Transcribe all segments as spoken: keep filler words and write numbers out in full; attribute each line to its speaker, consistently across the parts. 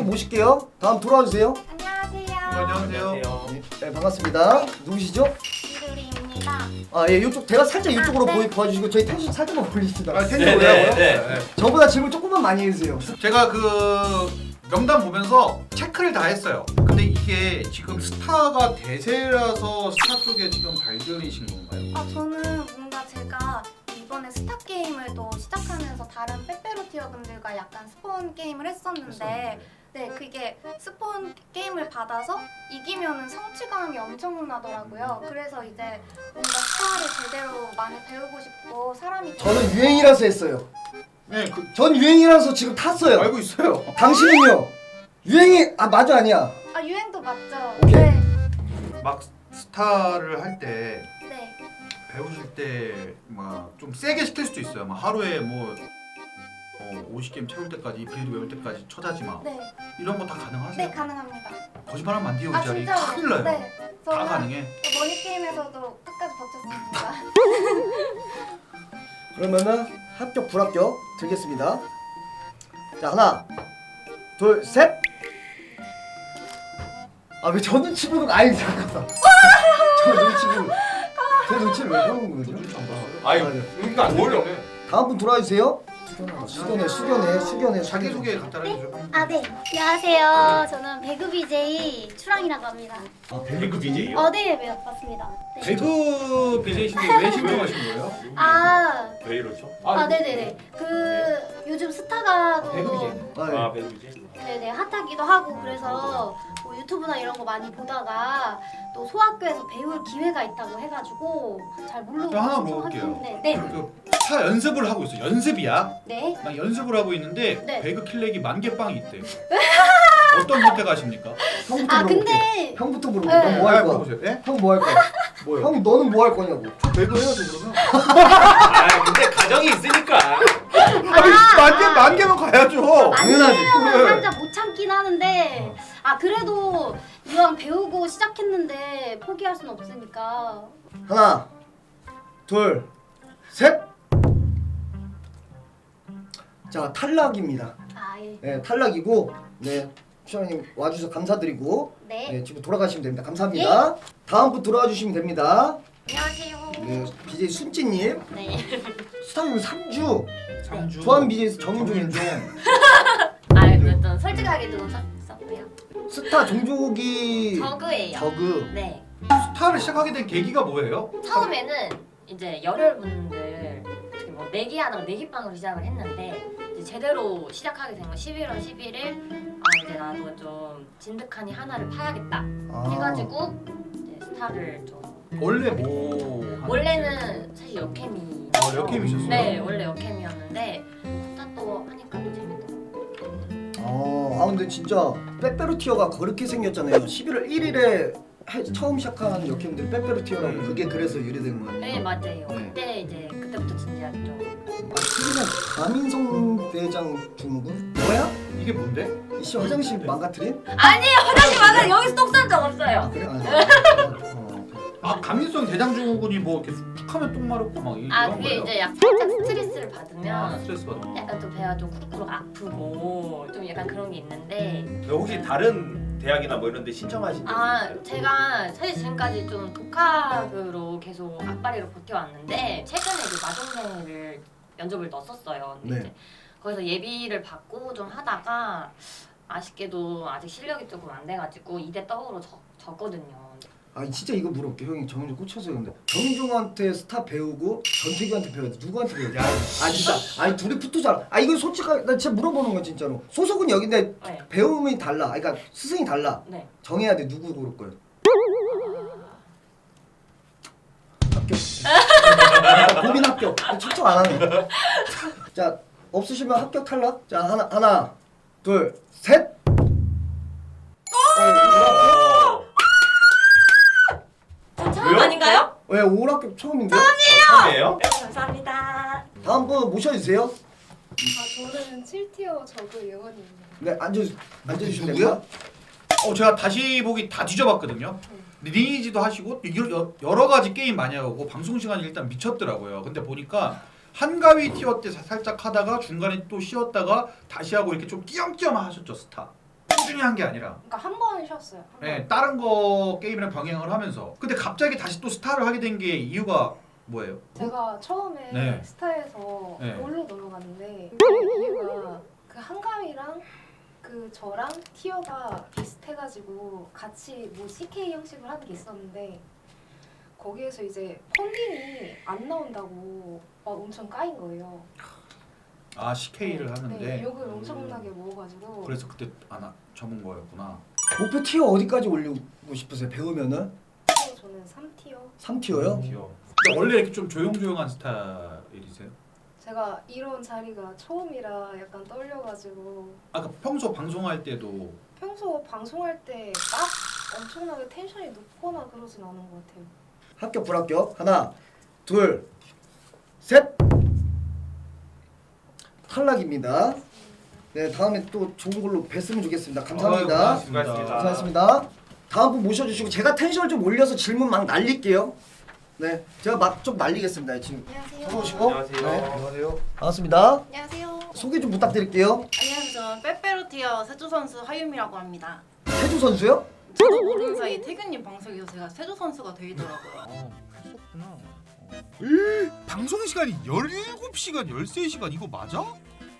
Speaker 1: 분 모실게요. 다음 돌아와 주세요.
Speaker 2: 안녕하세요.
Speaker 3: 안녕하세요.
Speaker 1: 네, 반갑습니다. 누구시죠?
Speaker 2: 이두리입니다.
Speaker 1: 아, 예, 이쪽 대가 살짝 이쪽으로
Speaker 2: 아, 네.
Speaker 1: 보이 도와주시고 저희 텐션 살짝만 올리시다.
Speaker 3: 아, 텐션
Speaker 4: 네,
Speaker 3: 올라고요?
Speaker 4: 네, 네.
Speaker 1: 저보다 질문 조금만 많이 해주세요.
Speaker 3: 제가 그 명단 보면서 체크를 다 했어요. 근데 이게 지금 스타가 대세라서 스타 쪽에 지금 발견이신 건가요?
Speaker 2: 아 저는 뭔가 제가 이번에 스타 게임을 또 시작하면서 다른 빼빼로티어 분들과 약간 스폰 게임을 했었는데 네 그게 스폰 게임을 받아서 이기면은 성취감이 엄청나더라고요. 그래서 이제 뭔가 스타를 제대로 많이 배우고 싶고 사람이
Speaker 1: 저는 유행이라서 했어요.
Speaker 3: 네, 그
Speaker 1: 전 유행이라서 지금 탔어요.
Speaker 3: 알고 있어요.
Speaker 1: 당신은요? 유행이 아 맞아 아니야?
Speaker 2: 아 유행도 맞죠?
Speaker 1: 오케이.
Speaker 2: 네.
Speaker 3: 막 스타를 할 때
Speaker 2: 네.
Speaker 3: 배우실 때 막 좀 세게 시킬 수도 있어요. 막 하루에 뭐 어, 오십 게임 채울 때까지 빌드 외울 때까지 쳐다지 마.
Speaker 2: 네.
Speaker 3: 이런 거 다 가능하세요?
Speaker 2: 네 가능합니다.
Speaker 3: 거짓말하면 안 돼요. 이
Speaker 2: 아
Speaker 3: 자리
Speaker 2: 진짜로?
Speaker 3: 큰일 나요.
Speaker 2: 네.
Speaker 3: 다
Speaker 2: 저는
Speaker 3: 가능해.
Speaker 2: 머니 게임에서도 끝까지 버텼습니다.
Speaker 1: 그러면은 합격 불합격 드리겠습니다. 자 하나, 둘, 셋. 아 왜 저 눈치 보는 거 아니 잠깐만. 저 눈치 보는. 제 눈치를 왜 보는 거죠?
Speaker 4: 아유, 그러니까 안 어울려.
Speaker 1: 다음 분 돌아와 주세요. 수견해, 수견해, 수견해.
Speaker 3: 자기 소개 간단하게 해줘.
Speaker 5: 아, 네. 안녕하세요. 저는 배그 비제이 추랑이라고 합니다.
Speaker 1: 아
Speaker 4: 배그 비제이요?
Speaker 5: 어, 네, 네, 맞습니다. 네.
Speaker 3: 배그 비제이신데 왜 신청하신 거예요?
Speaker 5: 아,
Speaker 4: 왜 이러죠?
Speaker 5: 아, 네네네. 그 요즘 스타가 또
Speaker 3: 배그 비제이.
Speaker 1: 아, 예.
Speaker 4: 아, 배그 비제이.
Speaker 5: 네네 핫하기도 하고 그래서 뭐 유튜브나 이런 거 많이 보다가 또 소학교에서 배울 기회가 있다고 해가지고 잘 모르고
Speaker 3: 저 하나
Speaker 5: 신청하긴
Speaker 3: 물어볼게요.
Speaker 5: 했는데 네,
Speaker 3: 그 스타 연습을 하고 있어. 연습이야.
Speaker 5: 네.
Speaker 3: 나 연습을 하고 있는데
Speaker 5: 네.
Speaker 3: 배그 킬렉이 만 개 빵이 있대. 어떤 선택하십니까?
Speaker 1: 형부터
Speaker 5: 아
Speaker 1: 물어볼게.
Speaker 5: 근데
Speaker 1: 형부터 물어볼게.
Speaker 5: 네.
Speaker 1: 넌 뭐 할 거야?
Speaker 3: 물어보세요. 예?
Speaker 1: 형 뭐 할 거야?
Speaker 3: 뭐요?
Speaker 1: 형 너는 뭐 할 거냐고.
Speaker 3: 배그 해야죠 그러면.
Speaker 4: 아, 근데 가정이 있으니까.
Speaker 3: 아니 만 개, 만 개면 가야죠.
Speaker 1: 당연하지.
Speaker 5: 아니면 살짝 못 참긴 하는데 아 그래도 이왕 배우고 시작했는데 포기할 순 없으니까
Speaker 1: 하나, 둘, 셋. 자 탈락입니다.
Speaker 5: 아 예.
Speaker 1: 네 탈락이고 네 추장님 와주셔서 감사드리고
Speaker 5: 네.
Speaker 1: 네 지금 돌아가시면 됩니다. 감사합니다. 다음 분 돌아와 주시면 됩니다.
Speaker 5: 안녕하세요.
Speaker 1: 네 비제이 순찌님
Speaker 5: 네.
Speaker 1: 스타님 삼 주
Speaker 3: 삼주.
Speaker 1: 조한 비제이 정인종인종
Speaker 5: 아 그래도 솔직하게 좀 썼고요.
Speaker 1: 스타 종족이
Speaker 5: 저그예요.
Speaker 1: 저그.
Speaker 5: 네.
Speaker 3: 스타를 시작하게 된 계기가 뭐예요?
Speaker 6: 처음에는 이제 열혈분들 어떻게 뭐 내기하다가 내기빵으로 시작을 했는데 이제 제대로 시작하게 된 건 십일월 십일일 아 이제 나도 좀 진득하니 하나를 파야겠다
Speaker 1: 아.
Speaker 6: 해가지고 이제 스타를 좀
Speaker 3: 원래 뭐 하는
Speaker 6: 원래는 사실 여캠이
Speaker 3: 아, 여캠이셨어요?
Speaker 6: 네 원래 여캠이었는데 스타 또 하니까 또 재밌더라고요.
Speaker 1: 어, 아 근데 진짜 빼빼로티어가 그렇게 생겼잖아요. 십일월 일일에 처음 시작한 역행들 빼빼로티어라고 그게 그래서 유래된 거예요.
Speaker 6: 네 맞아요.
Speaker 1: 네.
Speaker 6: 그때 이제 그때부터 진짜 좀
Speaker 1: 아, 최근에 가민성 대장 주무군? 뭐야?
Speaker 3: 이게 뭔데?
Speaker 1: 이씨 화장실 망가뜨린?
Speaker 6: 아니에요 화장실 막아 여기서 똥 싼 적
Speaker 1: 아
Speaker 6: 없어요.
Speaker 1: 그래? 아니, 어,
Speaker 3: 아 가민성 대장증후군이 뭐 이렇게 툭하면 똥 마렵고 막 이-
Speaker 6: 아
Speaker 3: 이런
Speaker 6: 그게
Speaker 3: 거예요?
Speaker 6: 이제 약 살짝 스트레스를
Speaker 3: 아,
Speaker 6: 받으면
Speaker 3: 스트레스 받아.
Speaker 6: 약간 좀 배가 좀 쿠룩쿠룩 아프고 좀 약간 그런 게 있는데
Speaker 4: 혹시 다른 대학이나 뭐 이런 데 신청하신 적
Speaker 6: 아
Speaker 4: 있어요?
Speaker 6: 제가 사실 지금까지 좀 독학으로 계속 앞발이로 버텨왔는데 최근에 이제 마동네를 면접을 넣었었어요. 근데
Speaker 1: 네.
Speaker 6: 이제 거기서 예비를 받고 좀 하다가 아쉽게도 아직 실력이 조금 안 돼가지고 이대 떡으로 적, 졌거든요.
Speaker 1: 아 진짜 이거 물어볼게. 형이 정인종 꽂혀서 근데 정인종한테 스타 배우고 전태규한테 배워야 돼. 누구한테 배워야 돼? 아 진짜 아니 둘이 붙으잖아. 아 이건 솔직하게 나 진짜 물어보는 거야 진짜로. 소속은 여긴데
Speaker 6: 네.
Speaker 1: 배움이 달라. 아, 그러니까 스승이 달라.
Speaker 6: 네.
Speaker 1: 정해야 돼. 누구 고를 거예요? 합격. 고민 합격. 초청 안 하네. 자 없으시면 합격 탈락. 자 하나 하나 둘 셋. 어,
Speaker 6: 저 처음
Speaker 4: 왜요?
Speaker 6: 아닌가요?
Speaker 1: 왜 오락교 처음인데?
Speaker 4: 처음이에요?
Speaker 6: 네, 감사합니다.
Speaker 1: 다음 분 모셔주세요.
Speaker 7: 아 저는 칠 티어 저그 예원입니다.
Speaker 1: 네 앉아 앉아주시면
Speaker 3: 누구야?
Speaker 1: 됩니다.
Speaker 3: 어 제가 다시 보기 다 뒤져봤거든요. 리니지도 하시고 여러, 여러 가지 게임 많이 하고 방송 시간이 일단 미쳤더라고요. 근데 보니까 한가위 티어 때 사- 살짝 하다가 중간에 또 쉬었다가 다시 하고 이렇게 좀 띄엄띄엄 하셨죠 스타. 꾸준히 한 게 아니라
Speaker 5: 그러니까 한 번 쉬었어요. 한 번.
Speaker 3: 네, 다른 거 게임이랑 병행을 하면서 근데 갑자기 다시 또 스타를 하게 된 게 이유가 뭐예요?
Speaker 7: 제가 처음에
Speaker 3: 네.
Speaker 7: 스타에서
Speaker 3: 네.
Speaker 7: 롤로 넘어갔는데 그 이유가 그 한가위랑 그 저랑 티어가 비슷해가지고 같이 뭐 씨케이 형식으로 하는 게 있었는데 거기에서 이제 펀딩이 안 나온다고 막 엄청 까인 거예요.
Speaker 3: 아 씨케이를 하는데
Speaker 7: 네, 욕을 엄청나게 먹어가지고
Speaker 3: 그래서 그때 안 접은 거였구나.
Speaker 1: 목표 티어 어디까지 올리고 싶으세요? 배우면은
Speaker 7: 그래서 저는 삼 티어.
Speaker 1: 삼 티어요?
Speaker 4: 귀여워.
Speaker 3: 근데 원래 이렇게 좀 조용조용한 스타일이세요?
Speaker 7: 제가 이런 자리가 처음이라 약간 떨려가지고
Speaker 3: 아까 평소 방송할 때도
Speaker 7: 평소 방송할 때 막 엄청나게 텐션이 높거나 그러진 않은 것 같아요.
Speaker 1: 합격 불합격 하나 둘 셋 탈락입니다. 네 다음에 또 좋은 걸로 뵀으면 좋겠습니다. 감사합니다.
Speaker 3: 아유,
Speaker 4: 수고하셨습니다.
Speaker 1: 고생하셨습니다. 다음 분 모셔주시고 제가 텐션을 좀 올려서 질문 막 날릴게요. 네 제가 막 좀 날리겠습니다. 지금
Speaker 2: 안녕하세요.
Speaker 1: 들어오시고
Speaker 4: 안녕하세요.
Speaker 1: 네,
Speaker 3: 안녕하세요.
Speaker 1: 반갑습니다.
Speaker 2: 안녕하세요.
Speaker 1: 소개 좀 부탁드릴게요.
Speaker 8: 안녕하세요. 저는 빼빼로티어 세조 선수 하유미라고 합니다.
Speaker 1: 태주 선수요?
Speaker 8: 저도 모르는 사이 태균님 방송에서 제가 세조 선수가 되더라고요.
Speaker 3: 어, 했었구나. 방송 시간이 열일곱 시간, 열세 시간 이거 맞아? 와,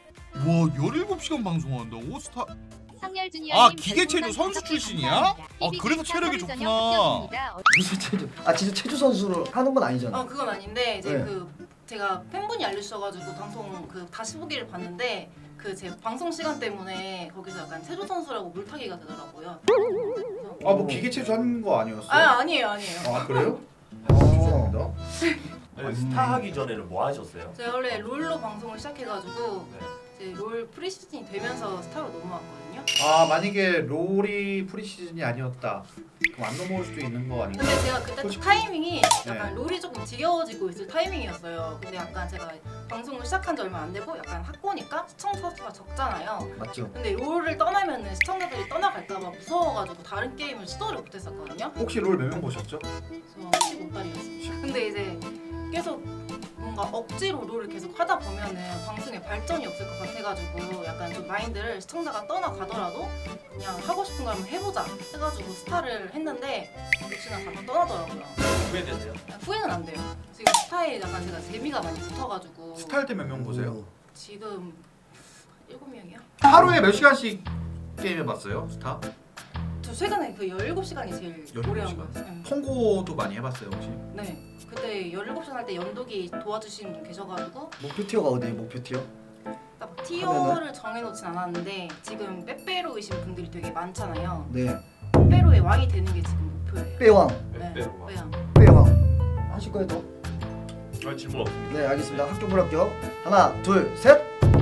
Speaker 3: 열일곱 시간 방송한다고? 스타 아, 기계체조 선수 출신이야? 아, 그래서 체력이 좋구나.
Speaker 1: 무슨 체주? 아 진짜 체주 선수를 하는 건 아니잖아.
Speaker 8: 어 그건 아닌데 이제
Speaker 1: 네.
Speaker 8: 그 제가 팬분이 알려주셔가지고 방송 그 다시 보기를 봤는데 그 제 방송 시간 때문에 거기서 약간 세조 선수라고 물타기가 되더라고요. 그래서
Speaker 3: 아, 뭐 기계체조 하는 거 아니었어요?
Speaker 8: 아 아니에요 아니에요.
Speaker 3: 아, 그래요?
Speaker 1: 어.
Speaker 4: 아니, 스타 하기 전에는 뭐 하셨어요?
Speaker 8: 제가 원래 롤로 방송을 시작해가지고
Speaker 4: 네.
Speaker 8: 이제 롤 프리시즌이 되면서 스타로 넘어왔거든요.
Speaker 3: 아, 만약에 롤이 프리시즌이 아니었다. 그럼 안 넘어올 수도 있는 거 아닌가?
Speaker 8: 근데 제가 그때
Speaker 3: 솔직히-
Speaker 8: 타이밍이 약간
Speaker 3: 네.
Speaker 8: 롤이 조금 지겨워지고 있을 타이밍이었어요. 근데 약간 제가 방송을 시작한 지 얼마 안 되고 약간 학고니까 시청자 수가 적잖아요.
Speaker 1: 맞죠?
Speaker 8: 근데 롤을 떠나면은 시청자들이 떠나갈까봐 무서워가지고 다른 게임을 시도를 못했었거든요.
Speaker 3: 혹시 롤 몇 명 보셨죠?
Speaker 8: 그래서 십오 달이었어요. 근데 이제 계속 뭔가 억지로 롤을 계속 하다 보면은 방송에 발전이 없을 것 같아가지고 약간 좀 마인드를 시청자가 떠나가더라도 그냥 하고 싶은 거 한번 해보자 해가지고 스타를 했는데 역시나 다 떠나더라고요.
Speaker 4: 후회되세요?
Speaker 8: 후회는 안 돼요. 지금 스타에 약간 제가 재미가 많이 붙어가지고
Speaker 3: 스타 할 때 몇 명 보세요?
Speaker 8: 지금 일곱 명이요?
Speaker 3: 하루에 몇 시간씩 게임 해봤어요? 스타?
Speaker 8: 저 최근에 그 열일곱 시간이 제일 오래 한
Speaker 3: 열일곱
Speaker 8: 거였어요. 네.
Speaker 3: 통고도 많이 해봤어요 혹시?
Speaker 8: 네. 그때 열일곱 시간 할 때 연독이 도와주신 분 계셔가지고
Speaker 1: 목표 티어가 어디예요? 목표 티어?
Speaker 8: 딱 티어를 정해놓진 않았는데 지금 빼빼로이신 분들이 되게 많잖아요.
Speaker 1: 네
Speaker 8: 빼빼로의 왕이 되는 게 지금 목표예요.
Speaker 1: 빼왕
Speaker 8: 네.
Speaker 4: 빼빼로가.
Speaker 8: 빼왕.
Speaker 1: 빼왕 하실 거예요 더?
Speaker 4: 아, 질문 없습니다.
Speaker 1: 네 알겠습니다. 합격 불합격 하나 둘 셋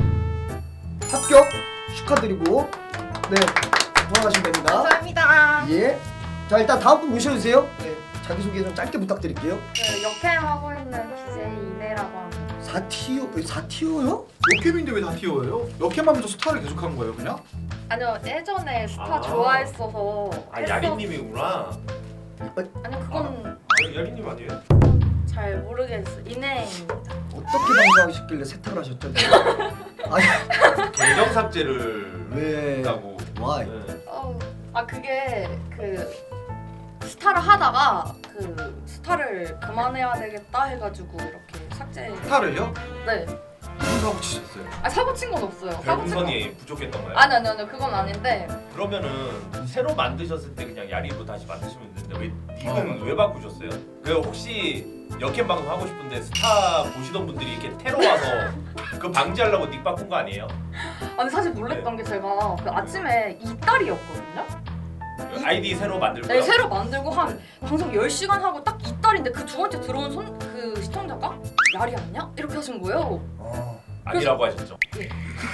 Speaker 1: 합격 축하드리고 네 돌아가시면 됩니다.
Speaker 2: 감사합니다.
Speaker 1: 예. 자 일단 다음 분 모셔주세요. 네 자기소개 좀 짧게 부탁드릴게요.
Speaker 2: 그 역캠 하고 있는 비제이 이내라고 합니다.
Speaker 1: 사 티어 사 티어요?
Speaker 3: 역캠인데 왜 다 티어예요? 역캠하면서 스타를 계속한 거예요 그냥?
Speaker 2: 아니요 예전에 스타
Speaker 4: 아.
Speaker 2: 좋아했어서
Speaker 4: 아,
Speaker 2: 했었-
Speaker 4: 야리님이구나.
Speaker 2: 아니 그건
Speaker 4: 아, 야리님 아니에요?
Speaker 2: 잘 모르겠어. 이내입니다.
Speaker 1: 어떻게 방송하셨길래 세탁을 하셨죠? 아니
Speaker 4: 계정 삭제를
Speaker 1: 왜?
Speaker 4: 했다고.
Speaker 1: Why?
Speaker 4: 네.
Speaker 2: 어, 아 그게 그 스타를 하다가 그 스타를 그만해야 되겠다 해가지고 이렇게 삭제.
Speaker 3: 스타를요?
Speaker 2: 네.
Speaker 3: 무슨 사고 치셨어요?
Speaker 2: 아 사고 친 건 없어요. 사고 친 건.
Speaker 4: 별풍선이 부족했던가요?
Speaker 2: 아니 아니 아니 그건 아닌데.
Speaker 4: 그러면은 새로 만드셨을 때 그냥 야리로 다시 만드시면 되는데 왜 닉은
Speaker 3: 어.
Speaker 4: 왜 바꾸셨어요? 그 혹시 역캠 방송 하고 싶은데 스타 보시던 분들이 이렇게 테러 와서 그 방지하려고 닉 바꾼 거 아니에요?
Speaker 2: 아니 사실 놀랬던 게 제가 그 아침에 이달이었거든요.
Speaker 4: 그 아이디 새로 만들고요.
Speaker 2: 네 새로 만들고 한 방송 열 시간 하고 딱 이달인데 그 두 번째 들어온 손 그 시청자가 야리 아니야? 이렇게 하신 거예요.
Speaker 1: 어.
Speaker 4: 아니라고 하셨죠?
Speaker 2: 예.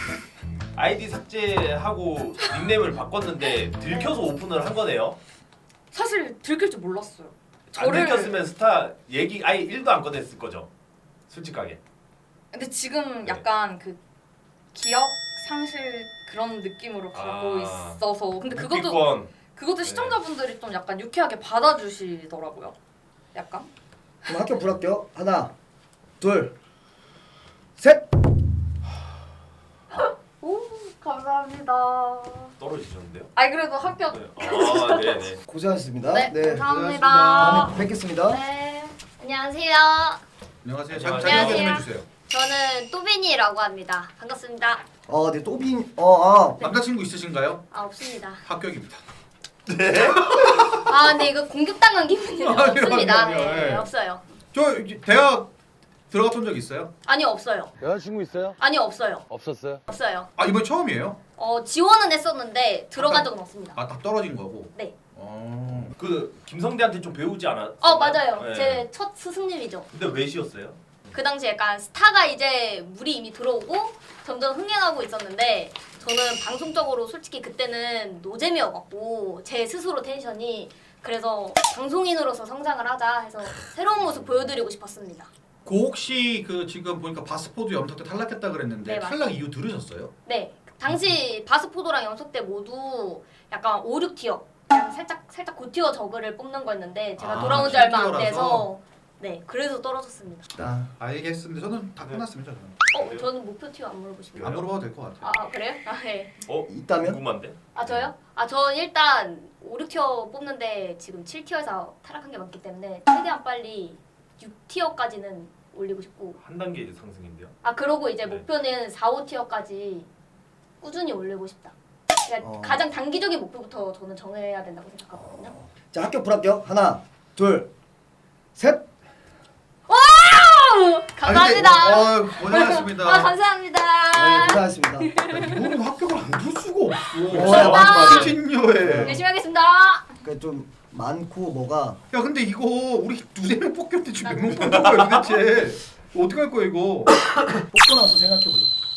Speaker 4: 아이디 삭제하고 닉네임을 바꿨는데 들켜서 오픈을 한 거네요.
Speaker 2: 사실 들킬 줄 몰랐어요.
Speaker 4: 안 들켰으면 스타 얘기 아예 일도 안 꺼냈을 거죠. 솔직하게.
Speaker 2: 근데 지금
Speaker 4: 네.
Speaker 2: 약간 그 기억 상실 그런 느낌으로 가고
Speaker 4: 아.
Speaker 2: 있어서 근데 그것도
Speaker 4: 묵비권.
Speaker 2: 그것도
Speaker 4: 네.
Speaker 2: 시청자분들이 좀 약간 유쾌하게 받아주시더라고요. 약간.
Speaker 1: 그럼 합격 불합격 하나 둘 셋.
Speaker 2: 오 감사합니다.
Speaker 4: 떨어지셨는데요?
Speaker 2: 아니 그래도 합격.
Speaker 4: 네. 아, 네, 네.
Speaker 1: 고생하셨습니다.
Speaker 2: 네,
Speaker 1: 네.
Speaker 2: 감사합니다.
Speaker 1: 다음에 뵙겠습니다.
Speaker 2: 네.
Speaker 5: 안녕하세요.
Speaker 3: 안녕하세요.
Speaker 4: 안녕하세요.
Speaker 3: 자기 소개 좀 해주세요.
Speaker 5: 저는 또빈이라고 합니다. 반갑습니다.
Speaker 1: 어, 네, 또빈, 어, 아,
Speaker 3: 남자친구 있으신가요?
Speaker 5: 아 없습니다.
Speaker 3: 합격입니다.
Speaker 5: 아 근데 이거 공격당한 기분이네요.
Speaker 3: 아니요,
Speaker 5: 없습니다.
Speaker 3: 아니요, 아니요.
Speaker 5: 네,
Speaker 3: 예.
Speaker 5: 없어요.
Speaker 3: 저 이제 대학 들어갔던 적 있어요?
Speaker 5: 아니요 없어요.
Speaker 9: 여자친구 있어요?
Speaker 5: 아니요 없어요.
Speaker 9: 없었어요?
Speaker 5: 없어요.
Speaker 3: 아 이번 처음이에요?
Speaker 5: 어 지원은 했었는데 들어간 적은 없습니다.
Speaker 3: 아 다 떨어진 거고.
Speaker 5: 네.
Speaker 3: 어.
Speaker 4: 그 김성대한테 좀 배우지 않았어요?
Speaker 5: 어 맞아요.
Speaker 4: 네.
Speaker 5: 제 첫 스승님이죠.
Speaker 4: 근데 왜 쉬었어요?
Speaker 5: 그 당시 약간 스타가 이제 물이 이미 들어오고 점점 흥행하고 있었는데 저는 방송적으로 솔직히 그때는 노잼이어갖고 제 스스로 텐션이 그래서 방송인으로서 성장을 하자 해서 새로운 모습 보여드리고 싶었습니다.
Speaker 3: 그 혹시 그 지금 보니까 바스포드 염석 때 탈락했다 그랬는데
Speaker 5: 네, 맞아요.
Speaker 3: 탈락 이유 들으셨어요?
Speaker 5: 네, 당시 바스포도랑 연속 때 모두 약간 오, 육 티어 그냥 살짝 살짝 고티어 저그를 뽑는 거였는데 제가
Speaker 3: 아,
Speaker 5: 돌아온 지 얼마 안
Speaker 3: 칠 티어라서?
Speaker 5: 돼서 네 그래서 떨어졌습니다.
Speaker 1: 아,
Speaker 3: 알겠습니다. 저는 다
Speaker 4: 네.
Speaker 3: 끝났습니다. 저는.
Speaker 5: 어, 저는 목표 티어 안 물어보시면
Speaker 3: 안 물어봐도 될 것 같아요.
Speaker 5: 아 그래요? 아 네.
Speaker 4: 어?
Speaker 1: 있다면?
Speaker 4: 궁금한데?
Speaker 5: 아 저요? 아 전 일단 오, 육 티어 뽑는데 지금 칠 티어에서 타락한 게 많기 때문에 최대한 빨리 육 티어까지는 올리고 싶고
Speaker 4: 한 단계 이제 상승인데요?
Speaker 5: 아 그러고 이제
Speaker 4: 네.
Speaker 5: 목표는 사, 오 티어까지 꾸준히 올리고 싶다. 그러니까
Speaker 1: 어.
Speaker 5: 가장 단기적인 목표부터 저는 정해야 된다고 생각하거든요.
Speaker 1: 자, 합격, 불합격. 하나, 둘, 셋.
Speaker 5: 감사합니다.
Speaker 3: 아, 고생하셨습니다.
Speaker 5: 아 감사합니다.
Speaker 1: 네, 고생하셨습니다.
Speaker 3: 이거는 합격을 안 줄 수가 없어.
Speaker 1: 어, 야, 맞아, 맞아.
Speaker 3: 신녀에.
Speaker 5: 열심히 하겠습니다.
Speaker 1: 그 좀 많고 뭐가
Speaker 3: 야 근데 이거 우리 두세 명 뽑혔는데 지금 몇 명 뽑은 거야 도대체? 어떻게 할 거야 이거?
Speaker 1: 뽑고 나서 생각해보자.